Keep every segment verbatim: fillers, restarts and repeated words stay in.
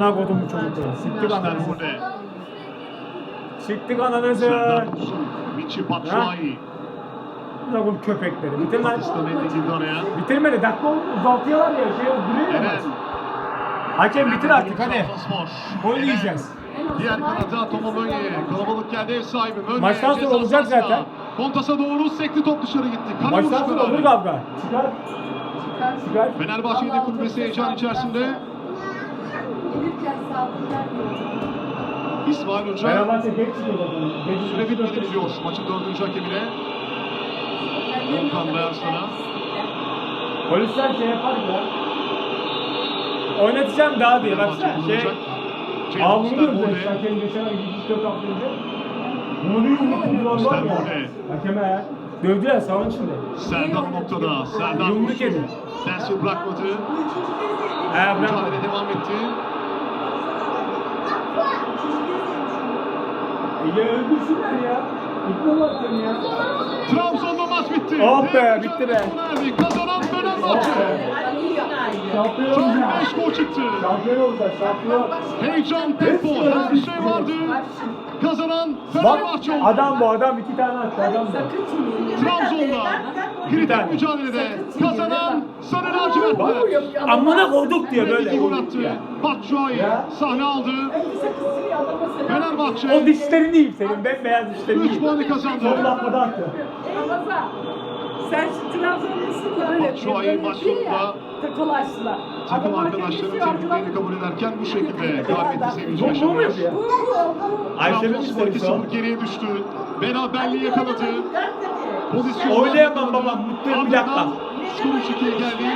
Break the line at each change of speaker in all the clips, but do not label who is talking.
Amına kodum bu çocukları. Siktik ananızı.
Westermode.
Siktik ananızı.
Serdar Dursun. Michi Batshuayi.
Amına kodum köpekleri. Bitir lan.
Batista belli girdi araya.
Bitirmedi. Dakika uzatıyorlar ya. Şey duruyor ya.
Eren.
maç. Hakem bitir artık hadi.
Trabzonspor.
Gol
Eren.
yiyeceğiz.
Diğer kanata Toma Mönye. Kalabalık geldi ev sahibi. Mönye.
Maçtan sonra
ceza
olacak
sahasına.
zaten.
Kontas'a doğru sekti, top dışarı gitti. Kale
Maçtan
vuruşu
sonra olur
beraber.
kavga. Çıkar. Çıkar.
Fenerbahçe yedek kulübesi heyecan içerisinde.
Gelirken saldırılar diyor.
İsmail Hoca
Fenerbahçe geç çıkıyor zaten. Geç
süre
çıkıyor.
bitmedi diyor maçın dördüncü hakemine. Volkan Bayarslan'a.
Polisler şey yapar ya. Oynatacağım daha diye baksana. Şey. Aa bunu diyoruz ya.
Westermode.
Hakem geçen ay gidiş dört hafta önce. Bunu bir yumruk vurdular var ya.
Westermode.
Hakeme ya. Dövdüler sahanın içinde.
Serdar noktada. Serdar
Yumruk
Dursun.
yedi.
Densil bırakmadı.
He bırak.
Mücadele devam etti.
Ya öldürsünler ya. Gitmiyorlar seni ya.
Trabzon'da maç bitti.
Oh be,
Devre
bitti be.
mücadelesi sona erdi. Kazanan Fenerbahçe.
Şampiyon
Çok
olacak.
beş gol çıktı.
Şampiyon olacak. Şampiyon.
Heyecan, tempo, her şey vardı. Kazanan
Bak
Fenerbahçe oldu.
adam bu adam iki tane attı adam bu.
Trabzon'da kritik mücadelede kazanan Sarı Lacivertler.
Amına koyduk diye böyle.
İki gol attı. Batshuayi
Ya.
sahne aldı.
O
Fenerbahçe
dişlerini yiyeyim senin. Bembeyaz dişlerini
üç
yiyeyim.
puanı kazandı.
Son dakikada attı.
Ramazan, sen şu Trabzonlusun da öyle.
Batshuayi maç sonunda
Takılaştılar.
takım arkadaşlarının tebriklerini kabul ederken bu şekilde galibiyeti sevinci
Bu, bu mu
yaşanıyor.
yapıyor? Ayşe'nin
Trabzonspor iki
istedi
sıfır geriye düştü. Beraberliği yakaladı. Pozisyonlar
Oynayamam
yakaladı.
babam, mutluyum, bir dakika.
Ardından skor üç ikiye geldi.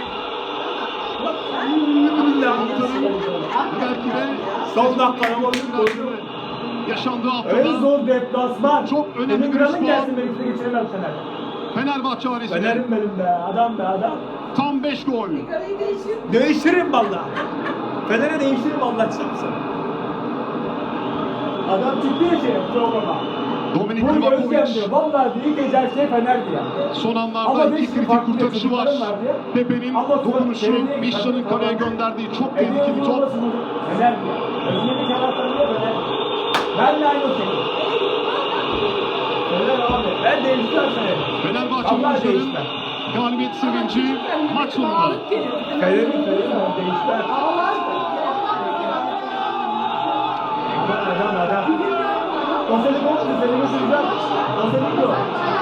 Belki de
Son dakikada gol koydu.
yaşandığı
En
haftada
zor deplasman.
Çok önemli
Senin
bir
kralın
puan.
gelsin beni size geçiremem Fener.
Fenerbahçe ailesine
Fener'im benim be. Adam be adam.
tam beş gol.
Karayı değişir.
Değiştiririm valla. Fener'e değiştiririm Allah çarpsın. Adam çıktı ya şey programa.
Dominik
Bunu Özlem
Livakovic
diyor. Valla ilk ecel şey Fener'di ya.
son
Ama
anlarda
beş
iki kritik
farklı
kurtarışı var.
çocuklarım var diye.
Pepe'nin
Ama sonra
dokunuşu,
belediye-
Mişra'nın kaleye gönderdiği çok tehlikeli top.
Fener diyor. Özlem'in kanatları diyor Fener. Ben de aynı o şey. Fener abi. Ben değiştireceğim Fener'i.
Fenerbahçe
Allah
oyuncuların
değiştir.
galibiyet sevinci maç sonunda.
Fener'in Fener'in değiştir. Adam adam. O seni koptu, seni götüreceğim. O seni yok.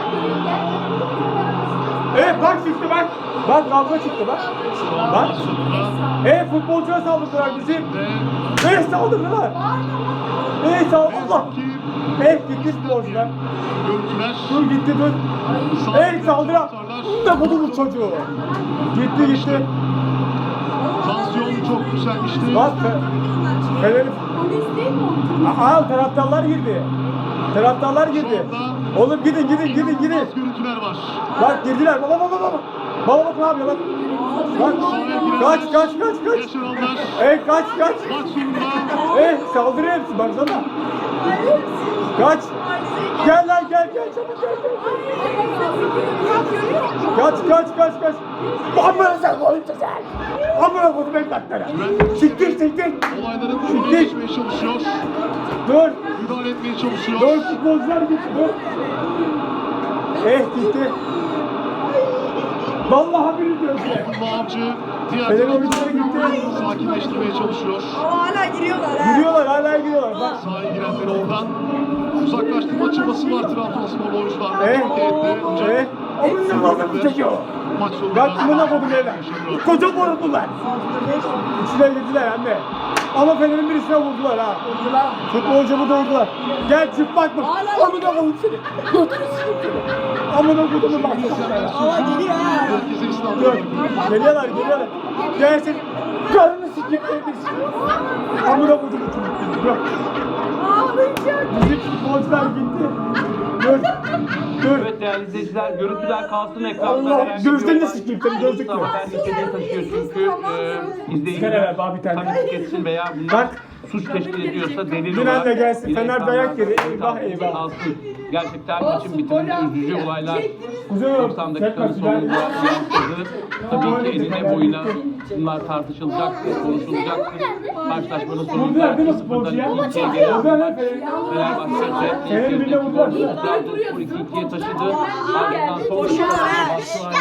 Evet bak çıktı bak. Bak kavga çıktı bak.
Şu an
Bak.
maç sonunda.
Evet futbolcuya saldırdılar bizim.
Ve
Evet saldırdılar. Evet saldırdılar.
ki
Evet gitti futbolcular.
görüntüler
Dur gitti dur. Evet saldıran. Ne buldu bu çocuğu? Gitti gitti.
tansiyon çok yükselmişti.
Bak Fener'in.
Polis değil mi o?
Aa taraftarlar girdi. Taraftarlar girdi. Oğlum gidin gidin gidin gidin.
İnanılmaz görüntüler var.
Bak girdiler. Baba baba baba. Baba bak ne yapıyor bak. Bak kaç kaç kaç kaç.
Yaşananlar
Evet kaç kaç.
maç sonunda
Evet saldırıyor hepsi baksana. Kaç. Gel lan gel gel çabuk gel gel. Kaç kaç kaç kaç. Amına sen koyun sen. Amına koydum evlatlara. Siktir siktir.
olayların önüne geçmeye çalışıyor.
Dur.
Müdahale etmeye çalışıyor.
Dur futbolcular gitti dur. Eh gitti. Vallahi biri diyor size.
Abdullah Avcı diğer
Fener
taraftan
oyuncuları gitti.
sakinleştirmeye çalışıyor.
Ama hala giriyorlar ha.
Giriyorlar hala giriyorlar bak.
Sahaya girenleri oradan uzaklaştırma çabası var Trabzonspor oyuncularında.
Eh.
Çok etti. Ancak
Eh. Amına koydum çocuğu.
maç sonunda
Bak amına koydum evlat. Koca vurdular. İçine girdiler anne. Ama Fener'in birisine vurdular ha. Vurdular. Futbolcumu da vurdular. Gel çıplak mı? Amına koydum seni. Götürü sikeyim seni. Amına koydum bak.
Aa geliyor ha.
herkese İslam
Dur. Geliyorlar geliyorlar. Gelsin. Karnını sikeyim seni. Amına koydum seni. Bırak.
Ağlayacak.
Müzik futbolcular gitti. Dur. Dur.
Evet değerli izleyiciler, görüntüler kalsın ekranda.
Allah,
Herhangi bir
gözlerini
olay-
sikeyim seni, gözlükle.
Tamam, ben niteliği taşıyor çünkü e,
Sigara
izleyiciler
ver bana bir tane.
takip etsin veya bunlar
Bak.
suç teşkil ediyorsa delil
Dün anne
olarak
gelsin,
yine
Fener dayak yedi.
ekranlarda
Eyvah, eyvah.
kalsın. Gerçekten maçın bitiminde üzücü olaylar
Kuzey yok.
doksan dakikanın
Çekme,
sonunda
Fener.
yansıdı. Tabii ki eline boyuna bunlar tartışılacaktı, konuşulacaktı. Karşılaşmanın
Vurdular değil mi
sonunda
sporcuya?
iki ikiye gelen
Vurdular lan Fener'i.
Fenerbahçe
Fener'i birine vurdular.
Trabzonspor iki ikiye taşıdı. Ardından son dakikalarda Batshuayi